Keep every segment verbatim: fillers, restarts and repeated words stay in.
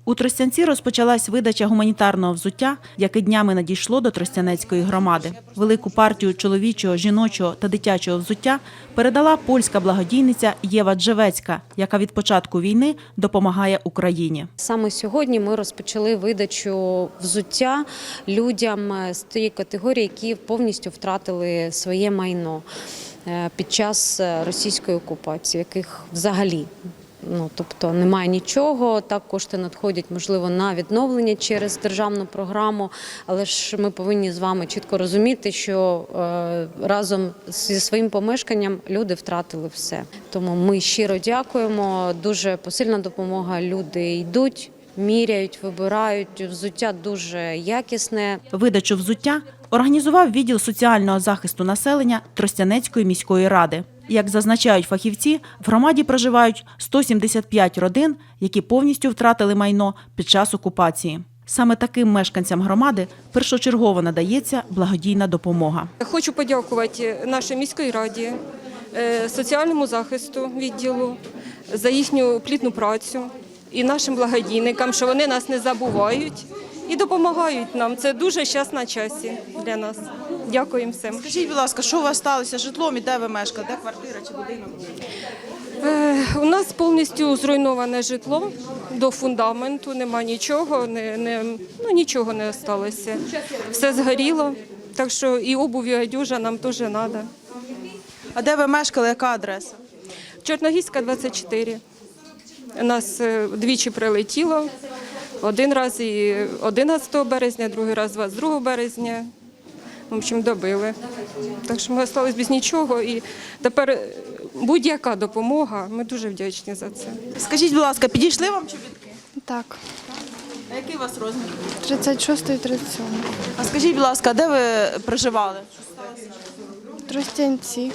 У Тростянці розпочалась видача гуманітарного взуття, яке днями надійшло до Тростянецької громади. Велику партію чоловічого, жіночого та дитячого взуття передала польська благодійниця Єва Джевецька, яка від початку війни допомагає Україні. Саме сьогодні ми розпочали видачу взуття людям з тієї категорії, які повністю втратили своє майно під час російської окупації, яких взагалі Ну, тобто немає нічого, так кошти надходять, можливо, на відновлення через державну програму, але ж ми повинні з вами чітко розуміти, що е, разом зі своїм помешканням люди втратили все. Тому ми щиро дякуємо, дуже посильна допомога, люди йдуть, міряють, вибирають, взуття дуже якісне. Видачу взуття організував відділ соціального захисту населення Тростянецької міської ради. Як зазначають фахівці, в громаді проживають сто сімдесят п'ять родин, які повністю втратили майно під час окупації. Саме таким мешканцям громади першочергово надається благодійна допомога. Хочу подякувати нашій міській раді, соціальному захисту відділу за їхню плідну працю і нашим благодійникам, що вони нас не забувають і допомагають нам. Це дуже час на часі для нас. Дякуємо всім. Скажіть, будь ласка, що у вас сталося з житлом і де ви мешкаєте? Де квартира чи будинок? Е, у нас повністю зруйноване житло до фундаменту, нема нічого, не, не, ну, нічого не залишилося. Все згоріло, так що і обувь, і одежа нам теж треба. А де ви мешкали, яка адреса? Чорногірська, двадцять чотири. Нас двічі прилетіло. Один раз і одинадцятого березня, другий раз двадцять другого березня. В общем, добили. Так що ми залишилися без нічого. І тепер будь-яка допомога, ми дуже вдячні за це. Скажіть, будь ласка, підійшли вам чобітки? Так, А який у вас розмір? тридцять шостий і тридцять сьомий. А скажіть, будь ласка, де ви проживали? Тростянці.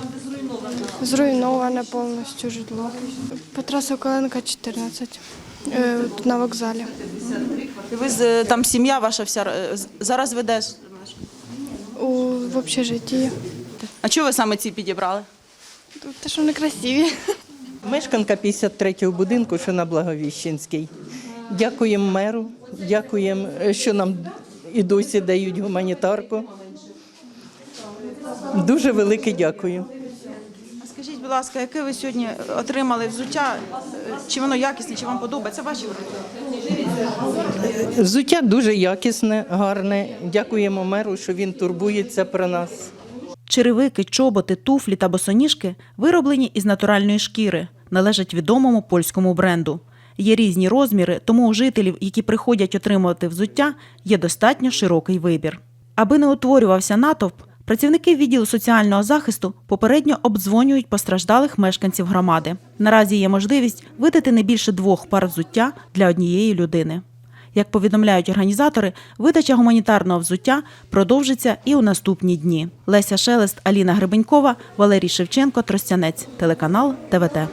Зруйноване повністю житло. Петра Соколенка, чотирнадцять. Е, Тут на вокзалі. І ви з- там сім'я ваша вся е, з- зараз ви де ж? У, в общежитті. А чого ви саме ці підібрали? Тут те, що вони красиві. Мешканка п'ятдесят третього будинку, що на Благовіщенській. Дякуємо меру, дякуємо, що нам і досі дають гуманітарку. Дуже велике дякую. А скажіть, будь ласка, яке ви сьогодні отримали взуття? Чи воно якісне, чи вам подобається? Ваші враження? Взуття дуже якісне, гарне. Дякуємо меру, що він турбується про нас. Черевики, чоботи, туфлі та босоніжки вироблені із натуральної шкіри, належать відомому польському бренду. Є різні розміри, тому у жителів, які приходять отримувати взуття, є достатньо широкий вибір. Аби не утворювався натовп, працівники відділу соціального захисту попередньо обдзвонюють постраждалих мешканців громади. Наразі є можливість видати не більше двох пар взуття для однієї людини. Як повідомляють організатори, видача гуманітарного взуття продовжиться і у наступні дні. Леся Шелест, Аліна Гребенькова, Валерій Шевченко, Тростянець, телеканал Т В Т.